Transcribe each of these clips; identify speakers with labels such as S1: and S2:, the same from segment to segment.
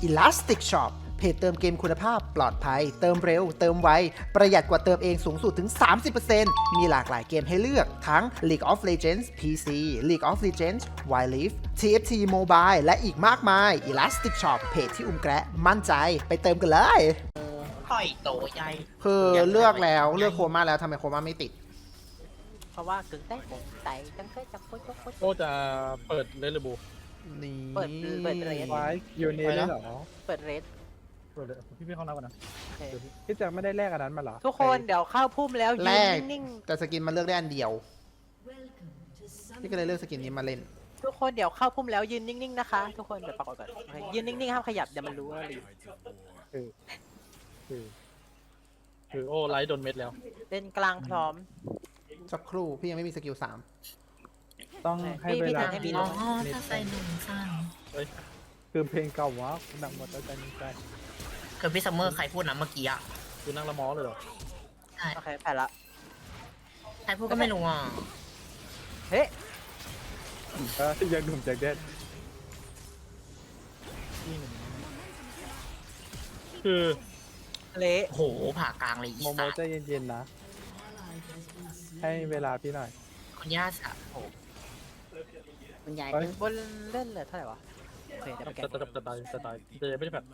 S1: Elastic Shop เพจเติมเกมคุณภาพปลอดภัยเติมเร็วเติมไวประหยัดกว่าเติมเองสูงสุดถึง 30% มีหลากหลายเกมให้เลือกทั้ง League of Legends PC League of Legends Wild Rift TFT Mobile และอีกมากมาย Elastic Shop เพจที่อุ้มแกะมั่นใจไปเติมกันเลย
S2: ต่อยโตใหญ่
S1: คือเลือกแล้วเลือกโคม่าแล้วทำไมโคม่าไม่ติด
S3: เพราะว่ากึ่งใต้ผมไต่จังเคยจับโคตร
S4: โอ้จะเปิดเลนหรือบู
S1: นี่
S3: เปิดเรท
S5: ไว้ยูเนียได้เหรอ
S3: เปิดเรท
S4: เปิดเลยพี่เข้าน้ำก่อนนะ
S3: โอเค
S5: พี่จะไม่ได้แลกอันนั้นมาเหรอ
S3: ทุกคนเดี๋ยวเข้าพุ่มแล้ว
S1: แร
S3: ยื
S1: ก
S3: นนิ่ง
S1: แต่สกินมันเลือกได้อันเดียวพี่ก็เลยเลือกสกินนี้มาเล่น
S3: ๆทุกคนเดี๋ยวเข้าพุ่มแล้วยืนนิ่งๆนะคะทุกคนเดี๋ยวปรากฏก่อนโอเคยืนนิ่งๆห้ามขยับเดี๋ยวมันรู้ว่ารีบ
S4: คือโอ้ไลท์โดนเม็ดแล้ว
S3: เล่นกลางพร้อม
S1: สักครู่พี่ยังไม่มีสกิล3
S5: ต้องให้เวลา
S3: ให้มี
S2: อ๋อถ้าใส่หนุ่มสั้น
S5: คือเพลงเก่าวะหนังหมดแล้วใจนี้ใจ
S2: คือพี่ซัมเมอร์ใครพูดนะเมื่อกี้อ่ะ
S4: คือนั่งละมอเลยเหรอ
S2: ใช่
S3: โอเคแผ่นละ
S2: ใครพูดก็ไม่รู้อ่ะ
S3: เฮ้ย
S5: ยังหนุ่มจากเด็ด
S4: คือ
S3: เละ
S2: โหผ่ากลางเลยอี
S5: โมโม
S2: สาน
S5: ใจเย็นๆนะ ให้เวลาพี่หน่อย
S2: คนย่าสะโห
S6: คุณยาย
S5: เฮ้ย
S3: บนเล่นเลยเท่าไหร่วะโอเคเดี๋ยวไปแกะ
S4: จะตายจะยังไม่ได้แบบ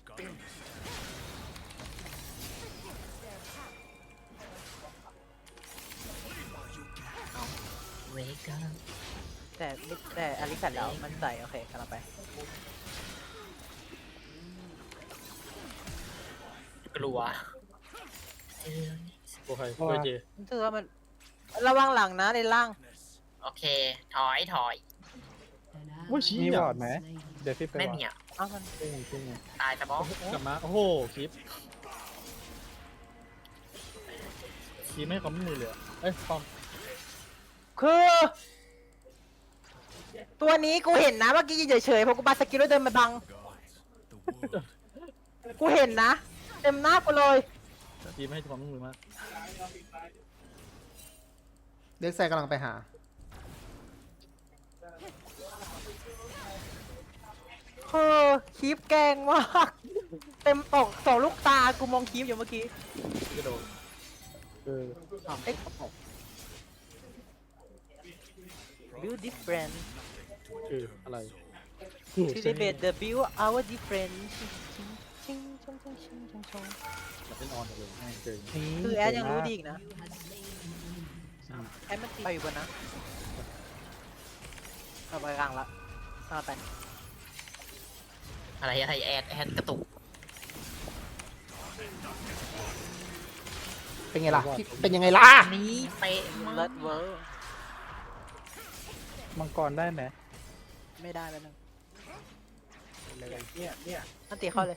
S2: เวก้า
S3: แต่อลิแผ่นแล้วมันใส่โอเคกำลังไป
S2: กลัว
S4: โอเคเพื่อเจ
S3: รู้สึกว่ามันระวังหลังนะในล่าง
S2: โอเคถอย
S4: ว่าชี้
S5: มี
S4: อ่ะ
S5: วอร์ดไหมเดี๋ยวพี่ไป
S2: ไม่
S5: วอ
S2: มี
S5: ร์ด
S2: อ่ะ
S3: เอ้ามัน
S5: จริง
S2: ตายแต่บอส
S4: กลับมาโอ้โหคลิปไม่ให้ความร่วมมือเลยเอ้ยความ
S3: คือ ตัวนี้กูเห็นนะเมื่อกี้ยืนเฉยๆเพราะกูบาสกิลแล้วเดินมาบัง กูเห็นนะ เต็มหน้ากูเลย
S4: ทีไม่ให้ความร่วมมือมาก
S1: เด็กไซกำลังไปหา
S3: คือคีบแกงมาก เต็มอกสองลูกตากูมองคีบอยู่เมื่อกี้
S4: กระโดด
S5: คือ
S3: เอ๊ะ build different
S4: คืออะไร
S3: to debate the build our different ชิงชงชงชงชงชง
S4: แบบเป็นออนเลยง่ายเกิน
S5: นี่
S3: คือแอดยังรู้ดีอีกนะแอดมันไปอยู่บนนะเอาไปกลางละเอาไป
S2: อะไรแอดกระตุก
S1: เป็นไงล่ะพี่เป็นยังไงล่ะ
S2: นี่เป๊ะมา
S3: เลิ
S2: ก
S3: ศเวอร์
S5: มังกรได้ไหม
S3: ไม่ได้แล้วนึง
S5: เนี่ย
S3: อันตีเข้าเลย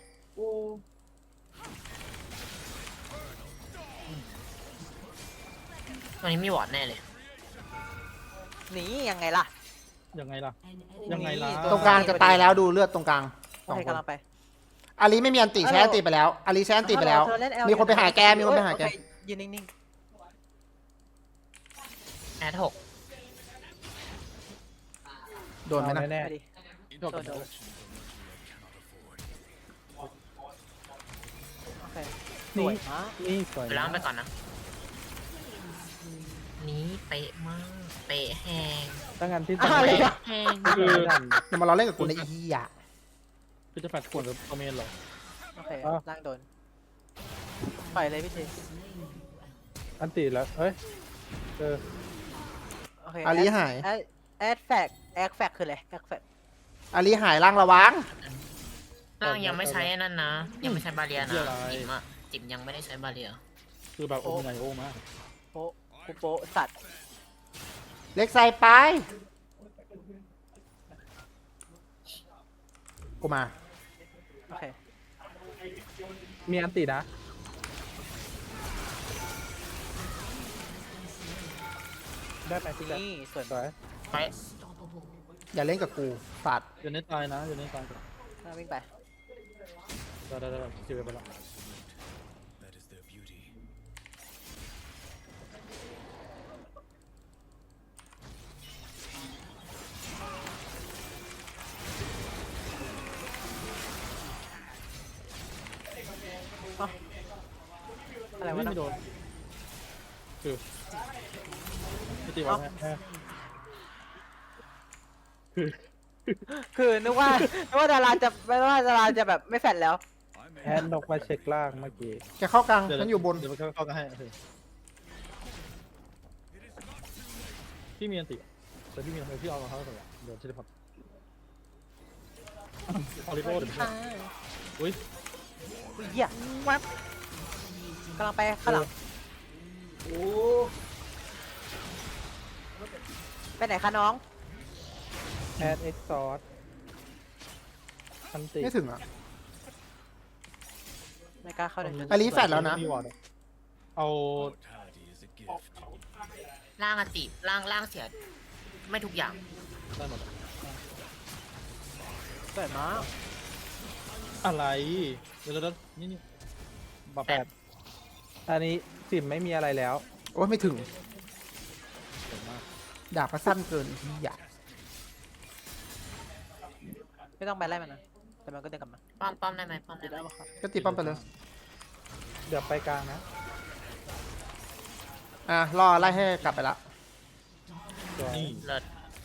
S2: ตอนนี้มีวอร์ดแน่เลย
S3: หนียังไงล่ะ
S4: ยังไงล่ะ ยังไงล่ะ
S1: ตรงกลางจะตายแล้วดูเลือดตรงกลาง
S3: โอเคกำลังไป
S1: อาลีไม่มีอันติใช้อันติไปแล้วอาลีใช้อันติไปแล้ว
S3: เธอเล่ L
S1: มีคนไปหาแกมีคนไปหาแก
S3: โอเคยืนนิ่ง
S2: แอด6
S1: โดนไหมนะ
S3: ๆ
S5: แน่
S3: ไปดิโดนโอเคสวยมาก
S5: นี่สวย
S2: ไปล้างไปก่อนนะ นี่เป๊ะมาก เป๊ะแหง
S5: ตั้งงานที่
S3: อะไรอ่ะ
S2: แหง
S4: คือ
S1: อย่ามาล้อเล่นกับกูในอีอ่ะ
S4: คือจะแฟดขวดกับคอมเมนต์เหรอ
S3: โอเคล่างโดนปล่อยเลยพี่ที
S5: อันตีแล้วเฮ้ยเออ
S3: โอเค
S1: อาลีหาย
S3: แอดแฟกคืออะไรแอดแฟก
S1: อาลีหายล่างระวัง
S2: ร่างยังไม่ใช้นั่นนะ ยังไม่ใช้บาเรียนะจิ๋มอ่ะจิ๋มยังไม่ได้ใช้บาเรีย
S4: คือแบบโอ้ไงโอ้มาก
S3: โป๊ะกูโป๊ะสัตว์
S1: เล็กไซไปกูมา
S3: โอเค
S5: มีอันตีนะได้ไหมพี่แจ๊ค
S3: นี่ส่วน
S5: สวย
S2: ไป
S1: อย่าเล่นกับกูสัตว์
S4: อยู่ในตายนะอยู่ในตาย
S3: วิ่งไป
S4: ได้คิวไปแล้ว
S3: อะไรวะ
S4: ไม่
S3: นะ
S4: โดนคือไม่ตีวะ
S3: คือนึกว่าดาราจะแบบไม่แฟดแล้ว
S5: แอดนกมาเช็คล่างเมื่อกี้
S1: แกเข้ากลางฉันอยู่บน
S4: เดี๋ยวมันเข้ากันให้โอเคพี่มีอันติแต่พี่มีอะไรพี่เอาของเขาก่อนเดี๋ยวเทเลพอร์ตออริโบเดี๋ยวพี่อุ้ย
S3: อุ้ยเหี้ยแวบกำลังไปข้างหลังไปไหนคะน้อง
S5: แอดเอ็กซอร์อันติ
S1: ไม่ถึงอ่ะ
S3: ไม่กล้าเข้าเลย
S1: อลิแฟดแล้วนะ
S4: มีวอร์ดเอา
S2: ล่างอติล่างเสีย ไม่ทุกอย่าง
S4: ได้หมด
S3: สวยมาก
S4: อะไรเดี๋ยวนี่บัฟ
S2: แปด
S5: อันนี้สิมไม่มีอะไรแล้ว
S1: โอ้ยไม่ถึง
S4: สวยมาก
S1: ดาบก็สั้นเกินอย่า
S3: ไม่ต้องไปไล่มันนะแต่มันก็เดินกลับมา
S2: ป้อมได้ไหมป้อมได้ไหม
S1: ก็ตีป้อมไปเลย
S5: เดี๋ยวไปกลางนะ
S1: อ่ะรอไล่ให้กลับไปละ
S5: สวย
S4: นี่
S2: เลิศ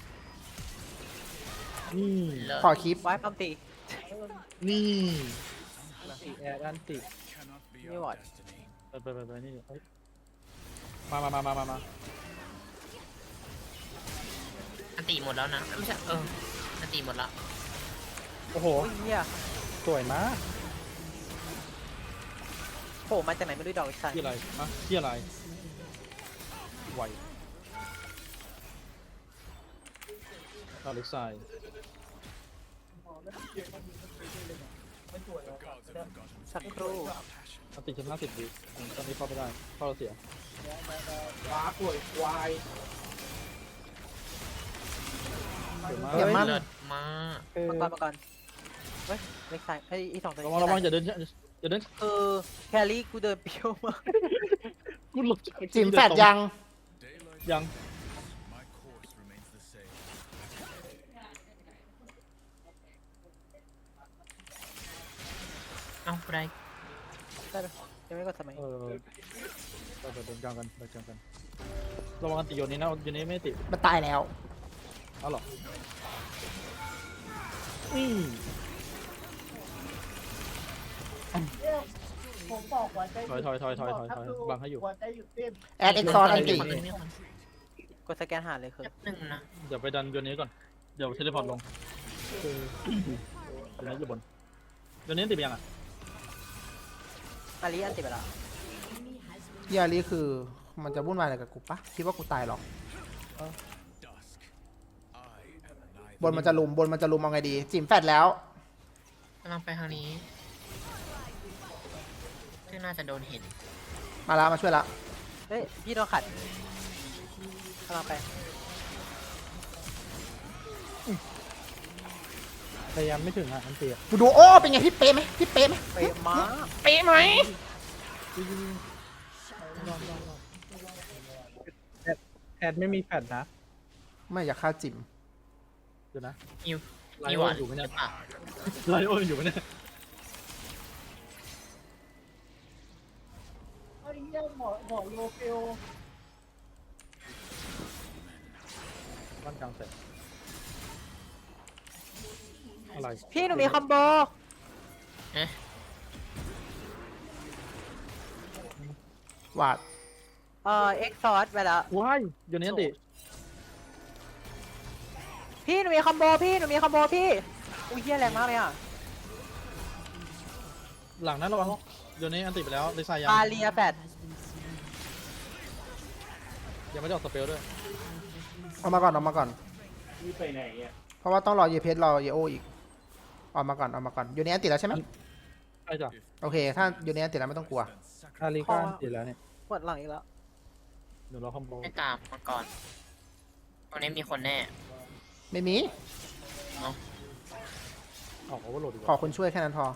S4: นี่
S2: เลิศ
S1: ขอคลิป
S3: ไว้ปั๊มตี
S4: นี่
S5: แอดอันติ
S3: นี่วอร์ด
S4: ไปนี่เฮ้ยมา
S2: อันติหมดแล้วนะไม่ใช่อันติหมดแล้ว
S5: โอ้โห
S3: โอ้ยเหี้ย
S5: สวยมาก
S3: โผล่มาจากไหนไม่รู้ดอกอีกสัน
S4: ที่อะไรอะที่อะไรไหวอเล็กไซ
S3: สักครู่
S4: อันติดชั้น50วิตอนนี้เข้าไม่ได้เข้าเราเสียเดี๋ยวมา
S1: เดี๋ยวมัน
S2: เลิศมาก
S5: คือ
S3: มาก่อนเฮ้ยเล็กไซไอ้อีสองตัว
S4: ระวังอย่าเดินอย่าเดิน
S3: แครี่กูเดินเปรี้ยวมาก
S4: กูหลบ
S1: จิมแฟดยัง
S4: ยัง
S2: เอ้ากูได้
S3: ได้ไหมยังไม่กดสมัย
S4: เราเดินกลางกันระวังอันติโยนนี้นะโยนนี้ไม่ติด
S1: มันตายแล้ว
S4: เอาหรอถอยบังให้อยู่
S1: แอดเอ็กซอร์อันติ
S2: คนนึงนี่คน
S3: กดสแกนหาเลยคือ
S2: แป๊บนึงนะ
S4: เดี๋ยวไปดันโยนนี้ก่อนเดี๋ยวเทเลพอร์ตลงโยนนี้อยู่บนโยนนี้ติดยังอ่ะ
S3: อาลีอันติดไปแล้ว
S1: เฮียรี่คือมันจะวุ่นวายอะไรกับกูปะคิดว่ากูตายหรอกบนมันจะลุมเอาไงดี จิมแฟดแล้ว
S2: กำลังไปทางนี้ซึ่งน่าจะโดนเห็น
S1: มาแล้วมาช่วยละ
S3: เฮ้ยพี่โดนขัดกำลังไป
S5: พยายามไม่ถึงอ่ะอันติ
S1: กูดูโอ้เป็นไงพี่เป๊ะไหม
S3: เป๊ะมาก
S1: เป๊ะไหม
S5: แอดไม่มีแฟดนะ
S1: ไม่อยากฆ่าจิม
S4: เดี๋ยวนะ
S2: นิว
S4: ไล
S2: นิว
S4: โอ
S2: อ่ะ
S4: อยู่ไหมเนี่ย
S2: อ่ะ
S4: ไลโออยู่ไหมเนี่ย บ้านกลางเสร็จอะไร
S3: พี่หนูมีคอมโบ
S2: เอ๊ะ
S1: วาด
S3: เอ็กซอร์ไปแล้ว
S4: ว้ายโยนนี้ติ
S3: พี่หนูมีคอมโบพี่อุ้ยเหี้ยแรงมากเลยอ่ะ
S4: หลังนั้นระวังโยนนี้อันติไปแล้วเลยใส่ยัง
S3: บาเลียแฟด
S4: ยังไม่ได้ออกสเปลด้วย
S1: เอามาก่อนเพราะว่าต้องรอเยเพชรรอเยโออีกเอามาก่อนอยู่ในอันติดแล้วใช่ไหม
S4: ใช่จ้ะ
S1: โอเค ถ้าอยู่ในอันติดแล้วไม่ต้องกลัว
S5: อาริก้าอันติแล้วเนี่ย
S3: ปวดหลังอีกแล้ว
S4: เดี๋ยวเราคอมโบ
S2: ไม่ตามมาก่อนตรงนี้มีคนแน่
S1: ไม่มี
S4: ออกโอเวอร์โหลดดีก
S1: ขอ
S4: ว่า
S1: คนช่วยแค่นั้นพอ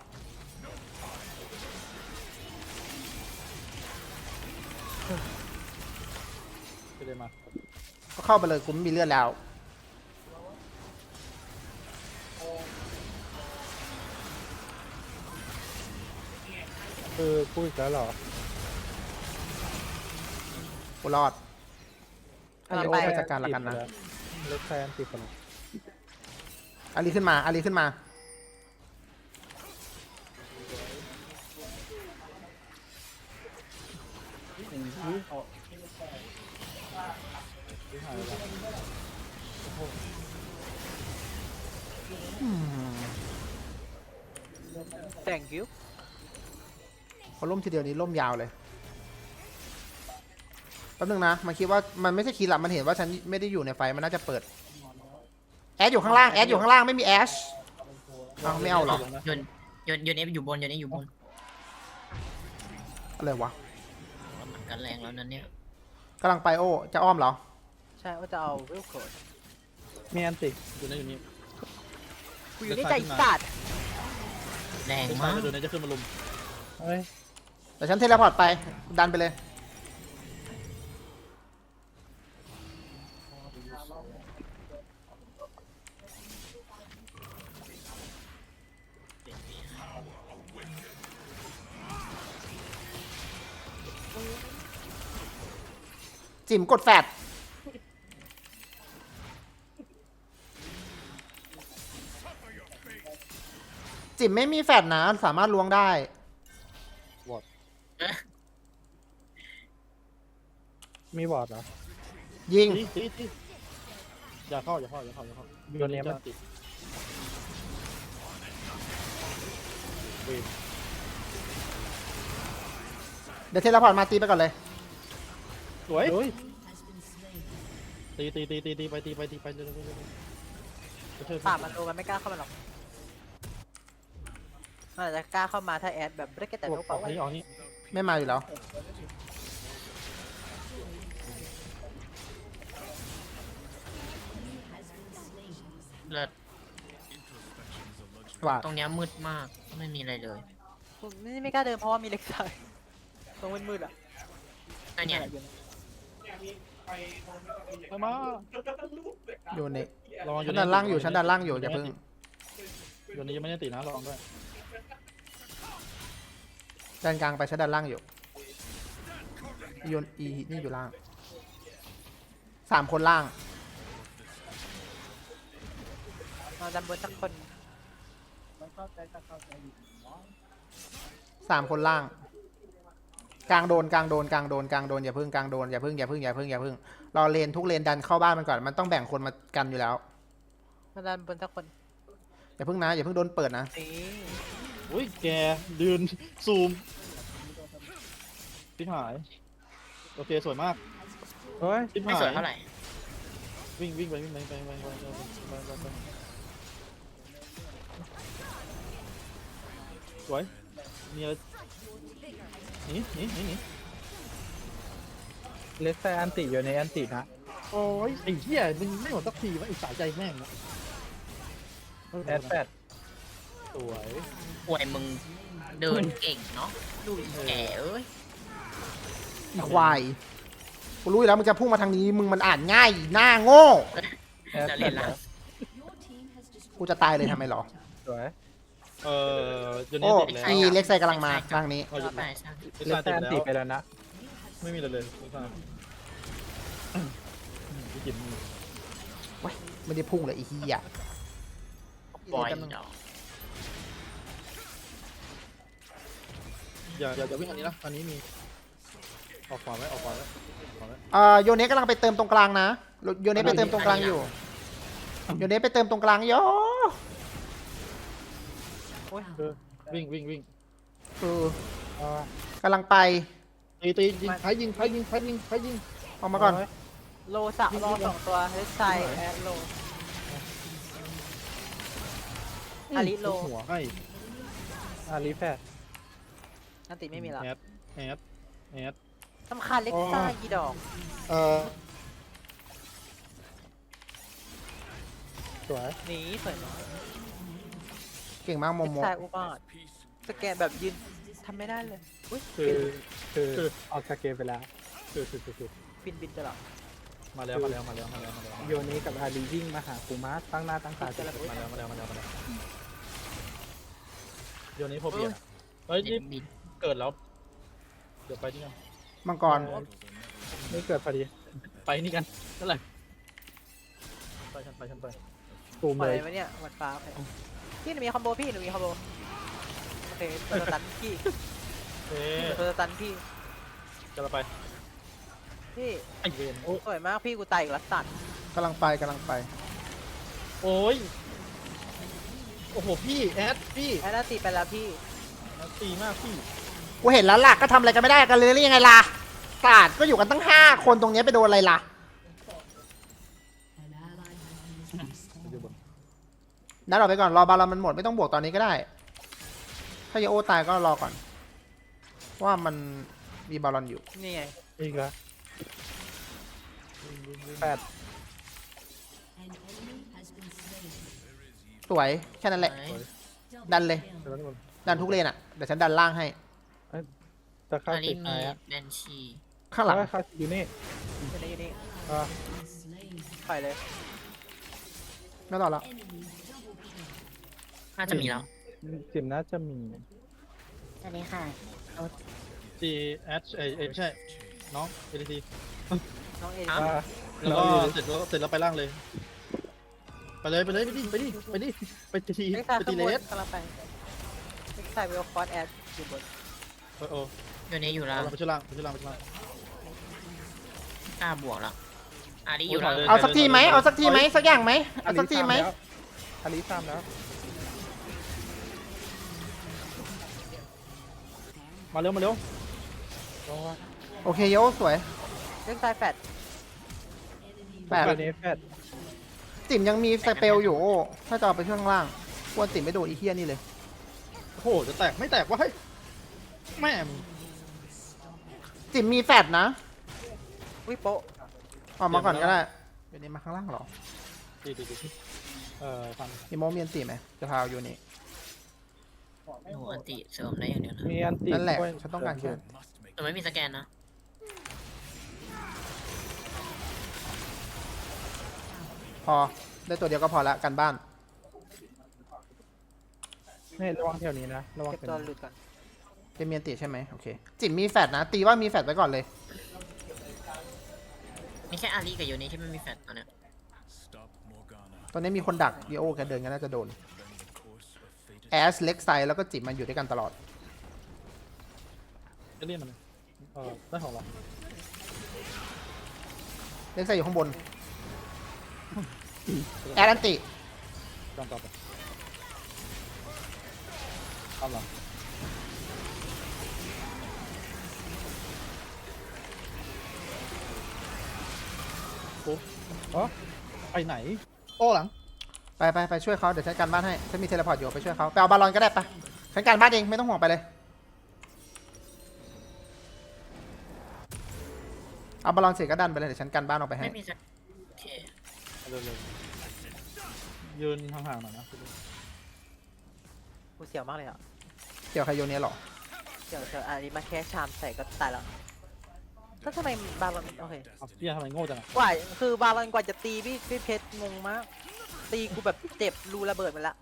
S4: ไม่ได้มา
S1: ก็เข้าไปเลยกูไม่มีเลือดแล้ว
S5: คือพูดอีกแล้วเหรอ
S1: กูรอดอาริโอไปจัดการละกันนะ
S5: เล็กแซนติดไปแล้ว
S1: อารีขึ้นมาอารีขึ้นมา
S3: thank you
S1: พอล่มทีเดียวนี้ล่มยาวเลยแป๊บนึงนะมันคิดว่ามันไม่ใช่คีย์หลับมันเห็นว่าฉันไม่ได้อยู่ในไฟมันน่าจะเปิดแอดอยู่ข้างล่างแอดอยู่ข้างล่างไม่มีแอชเอาไม่เอาหรอ
S2: โยนเอฟอยู่บนโยนเอฟอยู่บน
S1: อะไรวะ
S2: มันกันแรงแล้วนั้นเนี่ย
S1: กำลังไปโอ้จะอ้อมเหรอ
S3: ใช่ว่าจะเอาวิลโคด
S5: มีอันติ
S4: อยู่ในอยู่นี่
S3: กูอยู่ในใจสัตว์
S2: แรง
S4: ไม่ใช่
S2: มาก
S4: ไปดูในจะขึ้นมาลุม
S5: เฮ้ย
S1: แต่ฉันเทเลพอร์ตไปดันไปเลยจิ๋มกดแฟดจิ๋มไม่มีแฟดนะสามารถล้วงได้
S5: มีบอร์ดเหรอ
S1: ยิง
S4: ตีอย่าเข้าอย่าเข้าอย่าเข้าอย่าเข้า
S5: โยนเนี้ยมัน
S4: ติด
S1: เดี๋ยวเทเลพอร์ตมาตีไปก่อนเลย
S4: สวย
S5: เฮ้ย
S4: ตีไปเร็วๆไปช่วย
S3: ป่ามันโลมันไม่กล้าเข้ามาหรอกมันอาจจะกล้าเข้ามาถ้าแอดแบบไม่ได้แค่แต่
S4: อ
S3: ลู
S4: อก
S3: กเปล่า
S4: นี้ออกนี้
S1: ไม่มาอยู่แล้ว
S2: เลิศ
S1: ว่า
S2: ตรงเนี้ยมืดมากไม่มีอะไรเลย
S3: นี่ไม่กล้าเดินเพราะว่ามีเล็กไซตรงมืดๆอ่ะ
S2: อันเนี้ย
S4: ไปมา
S1: อยู่ใน
S4: ระวัง
S1: ฉันดันล่างอยู่ฉันดันล่างอยู่อย่าเพิ่ง
S4: โยนนี้ยังไม่ได้ติดนะระวังด้วย
S1: ดันกลางไปฉันดันล่างอยู่โยนอีนี่อยู่ล่าง3 คนล่าง
S3: เราดันบนสักคน
S1: 3 คนล่าง กลางโดนอย่าเพิ่งกลางโดนอย่าเพิ่งรอเลนทุกเลนดันเข้าบ้านมันก่อนมันต้องแบ่งคนมากันอยู่แล้ว
S3: เราดันบนสักคน
S1: อย่าเพิ่งนะอย่าเพิ่งโดนเปิดนะ
S3: นี่
S4: อุ้ยแกยืนซูมทิพหายโอเคสวยมาก
S5: เฮ้ย
S4: ทิพ
S2: ไม่
S4: หา
S2: สวย
S4: ย
S2: เท่าไหร่
S4: วิ่งไปสวยมีอะไรหนี
S5: เล็กแซนอันติอยู่ในอันตินะ
S4: โอ้ยไอ้เหี้ยมึงไม่หมดสักทีวะไอ้สายใจแม่งนะ
S5: แอดแฟด
S4: สวย
S2: ป่วยมึงเดินเก่งเนาะดูอีแก่เอ้ย
S1: อีควายกูรู้อยู่แล้วมึงจะพุ่งมาทางนี้มึงมันอ่านง่ายหน้าโง่
S5: แอด
S2: จะ
S5: แฟ
S2: เล่
S5: ด
S2: น
S5: เหร
S2: ละ
S5: อ
S1: กูจะตายเลยทำไมหรอ
S5: สวย
S4: จน
S1: โอ้
S4: นี้ติดแล้ว
S1: อีเล็กไซกำลังมาทางนี้
S4: เอาหยุด
S2: ไป
S4: นะ
S2: ช่าง
S5: เล็กแซนอันติไป
S4: แล้ว
S5: แล้วนะ
S4: ไม่มีอะไรเลยพี่จิ๋ม
S1: ไม่ได้พุ่งเลยอีเหี้ย
S2: ปล่อย
S1: แป๊บนึง
S2: ดอก
S4: อย่าวิ่งอันนี้นะอันนี้มีออกขวาไว้
S1: โยเนะกำลังไปเติมตรงกลางนะโยเนะไปเติมตรงกลางอยู่โยเนะไปเติมตรงกลางโย
S4: วิ่ง
S1: คือ
S5: อ๋อก
S1: ำลังไป
S4: ตียิงใครยิง
S1: ออกมาก่อน
S3: โลสะรอ2 ตัวเล็กไซแอดโล อาริโล
S4: หัวให้
S5: อารีแฟด
S3: อันติไม่มีแล้ว
S4: แอด
S3: สำคัญเล็กไซกี่ดอก
S5: สวย
S3: หนีสวยมาก
S1: เก่งมากโม
S3: เล็ก
S1: โม
S3: ไซอุบาทสแกนแบบยืนทำไม่ได้เลยอุ้ย
S5: คือออกจากเกมไปแล้ว
S3: บินตลอด
S4: มาแล้ว
S5: โยนี้กับอารีวิ่งมาหากูมาตั้งหน้าตั้งตาจะ
S4: มาแล้วโยนนี้พอเปลี่ยนเฮ้ย
S2: เด็
S4: นี่
S2: กบิน
S4: เกิดแล้ว เดี๋ยวไปนี่กัน
S1: มังกร
S5: ไม่เกิดพอดี
S4: ไปนี่กันนั่นแหละไปฉันไป
S5: ตูม
S3: ปล่อ
S5: เลย ย
S3: ไว้เนี่ยหมดฟ้าโอเคพี่หนูมีคอมโบพี่หนูมีคอมโบโอเคตัวสตันพี่
S4: เอ๊ะ
S3: ตัวสตันพี่
S4: จะไป
S3: พี่
S4: ไอเวนโอ้
S3: สวยมากพี่กูตายอีกแล้วสัตว์
S1: กำลังไป
S4: โอ้ยโอ้โหพี่แอดพี่
S3: แอดตีไปแล้วพี่
S4: แอดตีมากพี่
S1: กูเห็นแล้วล่ะก็ทำอะไรกันไม่ได้กันเลยหรือยังไงล่ะศาสตร์ก็อยู่กันตั้ง5 คนตรงเนี้ยไปโดนอะไรล่ะ
S4: อยู่บน
S1: นัดออกไปก่อนรอบาลอนมันหมดไม่ต้องบวกตอนนี้ก็ได้ ถ้าเยโอตายก็รอก่อนว่ามันมีบาลอนอยู่
S3: นี่ไง
S5: อีกแล้วแปด
S1: สวยแค่นั้นแหละ ดันเลย
S5: เดี๋ยวทุกคน
S1: ดันทุกเลนอ่ะเดี๋ยวฉันดันล่างให้
S5: จะเข้า
S2: อัน
S5: ติ
S2: นี้
S5: ด
S2: มี
S5: ตายอ่ะ
S2: แบนชี
S1: ข้างหลัง
S5: เข้าอยู่นี่
S3: อยู่นี่อยู่นี่
S5: อ่า
S3: ปล่อยเลย
S1: ไม่ต่อแล้ว
S2: น่าจะมีแล้ว
S5: จิมน่าจะมี
S6: สวัสดีค่ะ
S4: จีแอดไม่ใช่น้องเอที
S3: น้องเอ
S2: อ่ะ
S5: อ่า
S4: แล้วก็
S5: เราอยู่
S4: เสร็จแล้วไปล่างเลย ไปดิไปที
S3: เอ็กซ์ไซ
S4: ไป
S3: ข้า
S4: ที
S3: ง
S4: เล
S3: บน
S4: ส
S3: กำลังไปเอ็กซ์ไซเวลคอร์สแอดอยู่บน
S4: โอ้
S2: อยู่นี้อยู่แล้ว
S4: ไปช่วยล่าง
S2: กล้าบวกแล้วอารีอยู่แล้ว
S1: เอาสักทีไหมเอาสักทีไหมสักอย่างไหมเอาสักทีไหม
S5: อลิซามแล้ว
S4: มาเร็ว
S5: ลงว่า
S1: โอเคโยสวย
S3: เอ็กซ์ไซแฟด
S1: แปด
S5: ตัวนี้แฟด
S1: จิ๋มยังมีสเปลอยู่โอ้ถ้าจะเอาไปช่วงล่างกวนจิ๋มไม่โดนอีเทียนี่เลย
S4: โอ้โหจะแตกไม่แตกวะเฮ้ยแม่
S1: จิ๋มมีแฟดนะ
S3: วิโปะ
S1: ออกมาก่อนก็ได้เดี๋ยวนี้มาข้างล่างเหรอ
S4: ดีฟัง
S1: มีโมเมียนตีไหมจะพาอยู่นี่
S2: หนูอันติเสริมได้อย่างเดียวนะ
S5: มีอันติ
S1: นั่นแหละ
S5: ด้วย
S1: ฉันต้องการแค่
S2: แต่ไม่มีสแกนนะ
S1: พอได้ตัวเดียวก็พอละกันบ้าน
S5: นี่ระวังแถวนี้นะระวัง
S3: เก็บ
S5: เป็น
S3: ตัวหลุดก่อน
S1: เป็นเมียนติใช่ไหมโอเคจิ๋มมีแฟดนะ ตีว่ามีแฟดไว้ก่อนเลย
S2: มีแค่อารีกับโยนี้ที่ไม่มีแฟลชตอนเนี้ย
S1: ตอนนี้มีคนดักดีโอแกเดินกันน่าจะโดนแอสเล็กไซแล้วก็จิ๋มมันอยู่ด้วยกันตลอด
S4: จะเรียกมันได้ของเรา
S1: เล็กไซอยู่ข้างบนแอดอันติ
S4: จองต่อไปทำหรอโอ้ไปไหนโอ้หลัง
S1: ไปช่วยเขาเดี๋ยวฉันการบ้านให้ฉันมีเทเลพอร์ตอยู่ไปช่วยเขาไปเอาบาลอนก็ได้ปะฉันการบ้านเองไม่ต้องห่วงไปเลยเอาบาลอนเสร็จก็ดันไปเลยเดี๋ยวฉันการบ้านออกไปให้
S2: ไม่มีสแกนโอเค
S4: เร็วยืนห่างๆหน่อยนะ
S3: กูเสียวมากเลยอ่ะ
S1: เกี่ยวใครโยเนี้ยหรอ
S3: เดี๋ยวอันนี้มาแค่ชามใส่ก็ตายแล้วแล้วทำไมบาลอนโอเค
S4: พี่ทำไมโง่จังอ่ะ
S3: กว่าคือบาลอนกว่าจะตีพี่เพชรงงมาก ตีกูแบบเจ็บรูระเบิดไปละ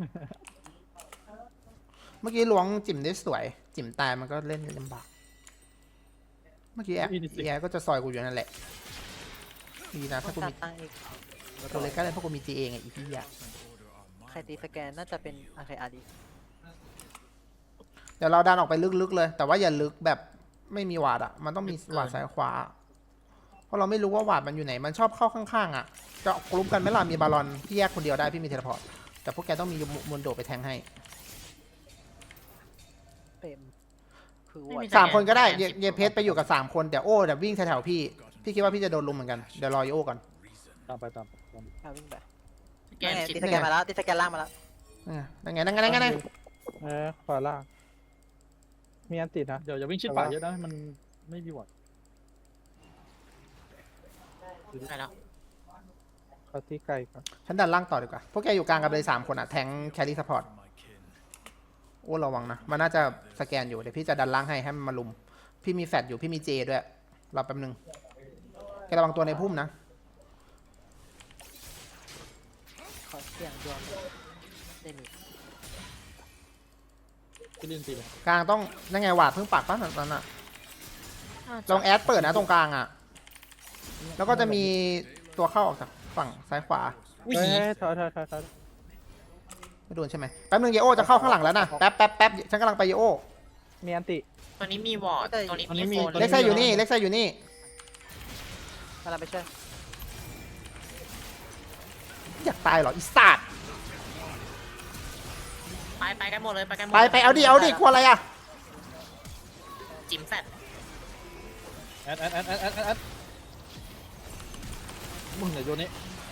S1: เมื่อกี้ล้วงจิ๋มได้สวย จิ๋มตายมันก็เล่นลำบากเมื่อกี้แอร์ก็จะซอยกูอยู่นั่นแหละดีนะถ้ากู
S3: ตั
S1: มี
S3: ดตังค์อีก
S1: ตัวเล็กก็ได้เพราะกูมีจีเองไงอีพี่อะ
S3: ใครตีสแกนน่าจะเป็นโอเคอารี
S1: เดี๋ยวเราดันออกไปลึกๆเลย แต่ว่าอย่าลึกแบบไม่มีวาดอะมันต้องมีวาดซ้ายขวา เพราะเราไม่รู้ว่าวาดมันอยู่ไหน มันชอบเข้าข้างๆอะจะกลุ่มกันไหมล่ะมีบาลอนพี่แยกคนเดียวได้พี่มีเทเลพอร์ตแต่พวกแกต้องมีมุนโดไปแทงให้
S3: เต็มคือ
S2: ไม่
S3: วั
S2: มี
S3: ด
S2: สแก
S1: 3 คนก็ได้เยเพชรไปอยู่กับ3 คนเดี๋ยวโอ้เดี๋ยววิ่งแถวๆพี่คิดว่าพี่จะโดนลุมเหมือนกันเดี๋ยวรอโอ้ก่อน
S4: ตามไป
S3: เอาวิ่งไป
S2: สแกน
S3: ตี
S2: สิบ
S3: สแกนมาแล้วตีสแกนล่างมาแล้ว
S1: นั่นไง
S5: ขวาล่างมีอันตินะ
S4: เดี๋ยวอย่าวิ่งชิดป่าเยอะนะมันไม่มีวอด
S2: ไปแล้ว
S5: เขาที่ไกลก่อน
S1: ฉันดันล่างต่อดีกว่า พวกแกอยู่กลางกันเลย3 คนอะแทงแครี่ซัพพอร์ตโอ้ระวังนะ มันน่าจะสแกนอยู่ เดี๋ยวพี่จะดันล่างให้มันมาลุม พี่มีแฟดอยู่ พี่มีเจด้วย รอแป๊บนึง แกระวังตัวในพุ่มนะ
S3: ขอเสียงดวงได้มี
S4: พี่ลินตีเลย
S1: กลางต้องนั่นไงหวาดเพิ่งปักป่ะนั้นอ่ะลองแอดเปิดนะตรงกลางอ่ะ แล้วก็จะมีตัวเข้าออกจากฝั่งซ้ายขวา
S5: เฮ้ยถอย
S1: ไม่โดนใช่ไหมแป๊บนึงเยโอจะเข้าข้างหลังแล้วนะแป๊บฉันกำลังไปเยโอ
S5: มีอันติ
S2: ตอนนี้มีวอร์ดตอนนี้มีโฟน
S1: เล็กไซอยู่นี่เล็กไซอยู่นี่
S3: กำลังไปช่วย
S1: อยากตายเหรออีสัตว์
S2: ไปกันหมดเลยไปกันหมด
S1: ไปเอาดิกลัวอะไรอ่ะ
S2: จิ๋มแฟด
S4: แอดมึงเนี่ยโยนนี้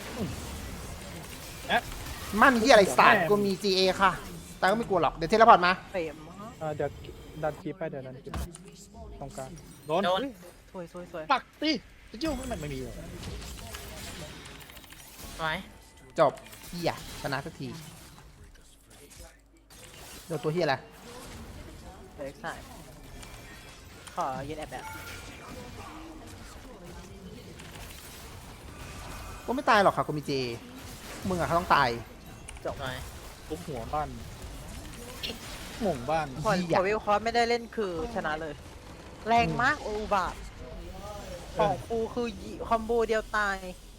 S1: มั่นที่อะไรสัตว์กูมี GA ค่ะ แต่ก็ไม่กลัวหรอกเดี๋ยวเทเลพอร์ตมา
S3: เต็มมาก
S5: เดี๋ยวดันคลิปไปเดี๋ยวดันคลิปตรงกลาง
S4: โดน
S2: โดน
S3: สวย
S4: ปักตีจะจิ้วไม่มีเลย
S2: ไว้
S1: จบเฮียชนะสักทีโดนตัวเฮียอะไร
S3: เด็กใส่ขอยืนแอบแบบ
S1: กูไม่ตายหรอกค่ะกูมี GA มึงอะเขาต้องตาย
S2: ไว้
S4: ทุบหัวบ้านหม่งบ้าน
S3: พอวิวคอร์ไม่ได้เล่นคือชนะเลย แรงมากโอบาของกูคือคอมโบเดียวตาย